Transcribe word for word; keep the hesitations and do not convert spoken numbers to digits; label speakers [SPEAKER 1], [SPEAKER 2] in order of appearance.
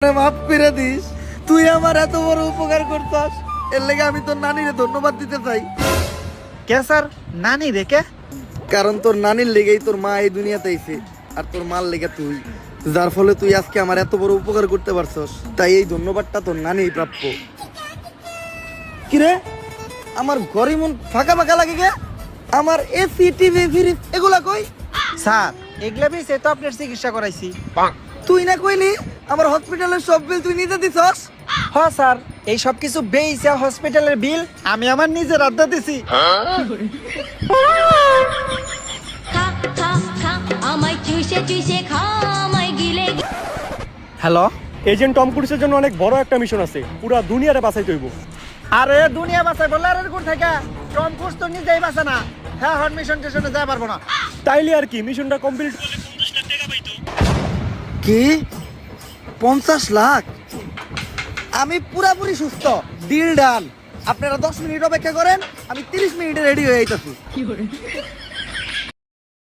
[SPEAKER 1] আমারে মাফ করে দিস। তুই আমার এত বড় উপকার করছস, এর লেগে আমি তোর নানিরে ধন্যবাদ দিতে চাই।
[SPEAKER 2] কে স্যার, নানি রেখে?
[SPEAKER 1] কারণ তোর নানির লেগেই তোর মা এই দুনিয়াতে আইছে, আর তোর মার লেগে তুই, যার ফলে তুই আজকে আমার এত বড় উপকার করতে পারছস। তাই এই ধন্যবাদটা তোর নানিই প্রাপ্য। কিরে, আমার ঘরে মন ফাঁকা ফাঁকা লাগে গে? আমার এসি টিভি ফ্রিজ এগুলা কই?
[SPEAKER 2] স্যার এগুলা বেশি তো আপনার চিকিৎসা করাইছি।
[SPEAKER 1] তুই না কইলি আমার হসপিটালের সব বিল তুই নিজে দিছস?
[SPEAKER 2] হ্যাঁ স্যার, এই সব কিছু বেইছে হসপিটালের বিল আমি আমার নিজের আড্ডা দিছি।
[SPEAKER 3] খা খা খা আমায় চুষে চুষে খা আমায় গিলে গিলে।
[SPEAKER 2] হ্যালো,
[SPEAKER 4] এজেন্ট টম ক্রুজের জন্য অনেক বড় একটা মিশন আছে, পুরা দুনিয়ারে বাঁচাইতে হইব।
[SPEAKER 2] আরে দুনিয়া বাঁচাই বললে আর কোন থেকে? টম ক্রুজ তো নিজেই বাঁচে না। হ্যাঁ, হট মিশন টেশনে যাই পারবো না।
[SPEAKER 4] তাইলে আর কি, মিশনটা কমপ্লিট
[SPEAKER 1] কি পঞ্চাশ লাখ? আমি পুরাপুরি সুস্থ, ডিল ডান। আপনারা দশ মিনিট অপেক্ষা করেন, আমি তিরিশ মিনিটে রেডি হয়ে যাইতাছি।